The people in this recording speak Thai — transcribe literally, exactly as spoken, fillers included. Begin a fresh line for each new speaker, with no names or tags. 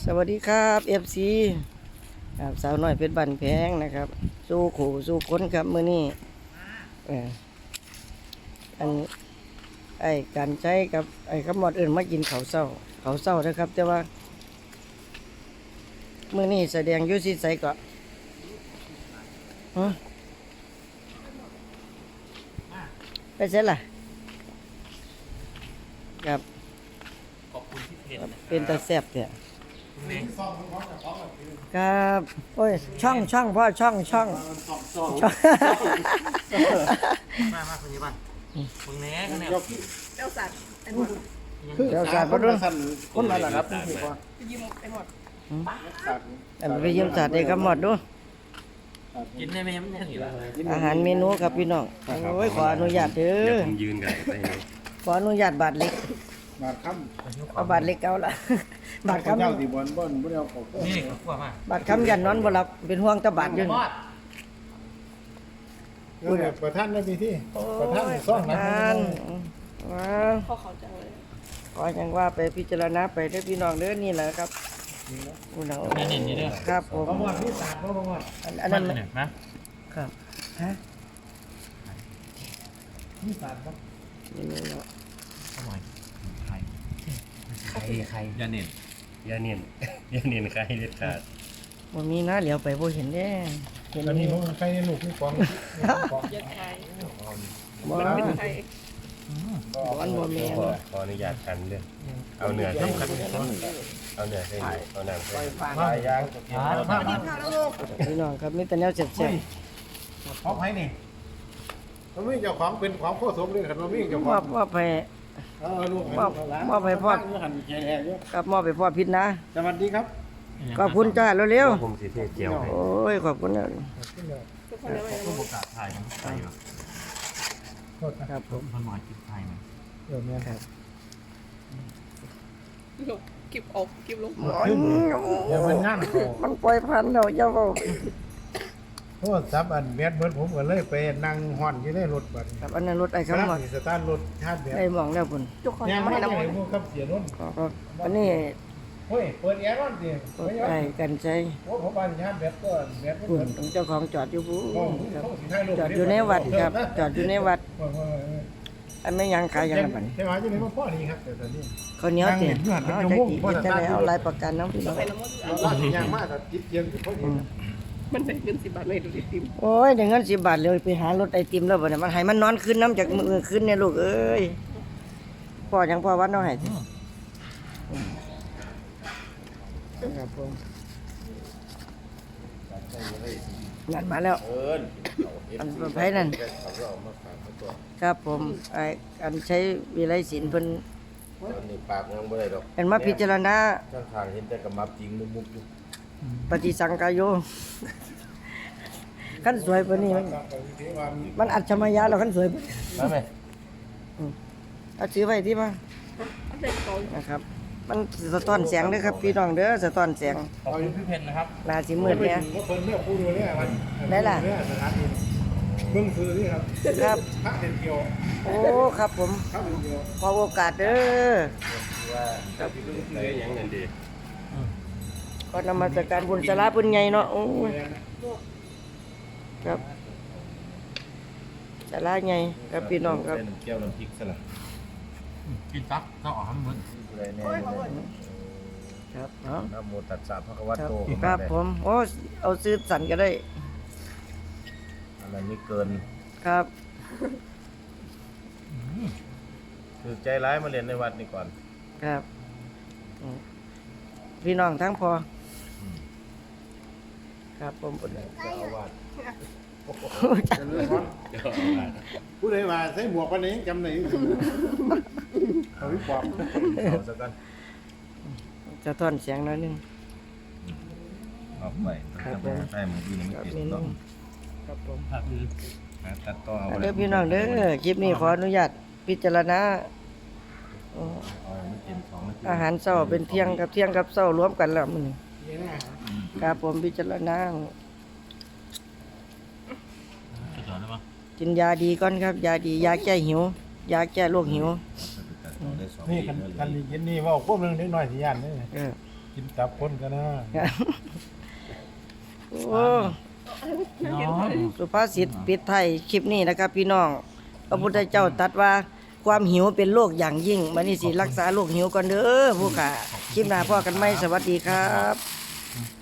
สวัสดีครับเอฟซีครับสาวน้อยเพชรบันแพงนะครับสู้ขู่สู้คนครับมื้อนี้เอออันไอ้การใช้กับไอ้ขมอดอื่นมากินข้าวเช้าข้าวเช้านะครับ แต่ว่ามื้อนี้แสดงอยู่ที่ไสก็ฮะไปเสร็จล่ะครับ
ขอบคุณที่เพจ
เป็นตาแซ่บเถอะ
คุณเมย์
ครับโอ้ยช่องช่องพ่อช่องช่องช่อง
มามาคุณยี่บ้านมึงแหน่กันเนี่ย
เจ้าสัตว์ไอ้หมด
เดี๋ยวสาดมาด้วย
คนมาแล้วครับพี่พ่อ
ไปยิ้มไอ้หมด
อันไปเยี่ยมสาดเด็กครับหมดดู
กินได้ไหมมันเนี่ยสิล่ะ
อาหารเมนูครับพี่น้องโอ้ยขออนุญาตเด้
เดี๋ยว
อ
ผมยืนกันไป
ขออนุญาตบาทเล็ก
มาค่
เอาบาทเล็กเอาละ
ำ
บาท
ข้าวเจ้า
คำ
ตีบอลบ่นบ่ได้เอาของ
นี่ขวบมา
บาทคำยันนอนบ่หลับเป็นห่วงแตะบาทอยู่
บอด
เออประธานได้ปีที่ประธานซ่องนะ
ทานว้าว
พ่อเขาจังเลย
ขอยังว่าไปพิจารณาไปเด้อพี่น้องเด้อนี่แหละครับอุณหภูมิ
เด่นนี่เด้อ
ครับผม
ประมวลที่สามก็ประมวล
อันอันนั้น
เนี่ยนะครับ
ฮะ
ที่สามครับ
นี่นี่เนาะ
อร่อยไข่ไข่ไข่ยาเน่น
อย่าเนียนอย่าเนียนใครเด็ดขาด
บ่มีนะเหลียวไปบ่เห็นเด้เห็น
ตอน
มี
นี้ผมใกล้ลูกนี่ฟองฟอง
ยัดไข่
บ่
ไข่
บ่อันบ่แม่น
ขอขออนุญาตกันเด้อเอาเนื้อใส่เอาเนื้อใส่เอาน้ำใส่
มาย่าง
มามา
พี่น้องครับมีแต่แนวแซ่บ
ของไผนี่มันมีเจ้าของเป็นของโคสมเลยครับมันมีเจ้า
ๆ
ข
ม
อ
อง บมอบให้
เออลูก หันแก่ๆอยู่
ครับมอบให้พ่อพิษนะ
สวัสดีครับ
ขอบคุณจ้าเร็ว
ผมสิเทศเจียวให้
ๆโอ้ยขอบคุณนะ
ทุกคนเลย
ผู้ประกาศไทยมันไทยแบบ
โทษนะครับ
ผม
มันหมายกินไทยไหม
เดี๋ยวแม่ครับ
ลงกิบออกกิบลง
เดี๋ยวมันงานเขา
มันปล่อยพันธุ์แล้วเจ้าเว้า
โทษซับอันแมสเบิดผมก็เลยไปนั่งห่อนอยู่ในรถบัด
ครับอันนั้นรถไอ้
ครั
คำ
บ
หมด
สตาร์ทรถชาติแบบ
ได้มองแล้วพุ่น
ทุกคน
ยัง
ไม่
ไม่
ให้
ได้
น้ำมัน
พวกครับเสียนุ่น
ครับอันนี้
เฮ้ยเปิดแอร์ก่อนสิ
รถไอ้กันใจ
โอ้ผมบ้านชาติแบบก็แบบ
พุ่
เปิ
น
ด
เจ้าของจอดอยู่พุ่
โอ้
นครับ
โหสิถ่ายรูป
จอดอยู่ในวัดครับจอดอยู่ในวัดอันไม่ยังขายยังไงบัดนี้
ใช่ไหมที่นี่ก็พ่อดีครับแต่ตอนนี้
ข้าวเหนียวเตี๋ย
นั่ง
เอา
เห็น
จะ
อยู่
กี่
มุ่ง
จะได้เอาลายประกันน้องพี่น้อง
ไปน้ำมัน
เอาล่าสิยางมากแต่จิตเย็นที่พ่อดี
มันได้เงินสิบบาทเลยดูดิติม
โอ้ยเดี๋ยวเงินสิบบาทเลยไปหารถไอติมแล้วบ่เนี่ยมันให้มันนอนขึ้นน้ำจากมือขึ้นเนี่ยลูกเอ้ยพ่อยังพ่อวัดน้องให้สิครับผมนั่นมาแล้วอันไผนั่นครับผมไออันใช้วิไลศิลป์เพิ่น
ตอนนี้ปากยังไม่ได้ดอก
เป็นมาพิจารณา
ข้างทางเห็นแต่กับมับจริงมุกๆอยู่
ปฏิสังกายโยขั้นสวยปานนี้มันมันอัจฉริยะแล้วขั้นสวยปานนี้
มาไหม
เอาซื้อไว้ที่มา
อันเด็กเขา
นะครับ มันสะท้อนแสงเด้อครับพี่น้องเด้อสะท้อนแสง
ขอบคุณพี่เพนนะครับ
หน้าสิมืดเนี่ย
เพิ่นเลือกผู้ดูแลวัน
ได้ล่ะ
สถานที่เบิ่งคือนี่ครับ
ครับ
พระเด็ดเกี่ยว
โอ้ครับผม
พระเด็ดเกี่ยว
ขอโอกาสเด้อ
ได้ยังนั่นดี
ขอนำมาจากการบุญสาระบุญใหญ่เนาะโอ้ยครับสาระใหญ่ครับพี่น้องครับ
เป็นแก้วน้ำพริกซะละ
กินตักก็ออกทั้งหมด
อะไรแน่
ครับเนาะ
นะโมตัสสะพระคะวะ
ครับ
โต
ครับผมโอ้เอาซื้อสันก็ได้
อะไรนี่เกิน
ครับ
คือใจร้ายมาเรียนในวัดนี่ก่อน
ครับอืมพี่น้องทั้งพออครับผม
เจ้าอาวาส
ผู้ใดว่าใส่หมวกปานนี้จำได้เขาวิปอบ
เอาซะกัน
จะทอนเสียงหน้อยหนึง
ออกไปถ้าจะไปหาใต้มือดีนี่
ครับ
ไม่
เม
ติด
นู
ต้อง
ครับผม
ผักอือ
หาตัดต่อเอา
เด้อพี่น้องเด้อคลิปนี้ขออนุญาตพิจารณาเอ่อ
เอาไม่เต็มสองนาที
อาหารเช้าเป็นเที่ยงกับเที่ยงกับเช้ารวมกันแล้วมื้อนี้ครับผมพิจารณา
สุดยอดเลยปะ
กินยาดีก่อนครับ ยาดียาแก้หิว ยาแก้โรคหิว
ได้สอง
นี่
ปี
กัน
แล้ว
กันเย็นนี่ว่าควบนึงเล็กน้อยสิย่านเด้อ
เออ
กินตับคนกันนะ
โอ้สุภาษิตปิดไทยคลิปนี้นะครับพี่น้องพระพุทธเจ้าตรัสว่าความหิวเป็นโรคอย่างยิ่งบัดนี้สิรักษาโรคหิวก่อนเด้อผู้ค่ะคลิปหน้าพ่อกันไหมสวัสดีครับ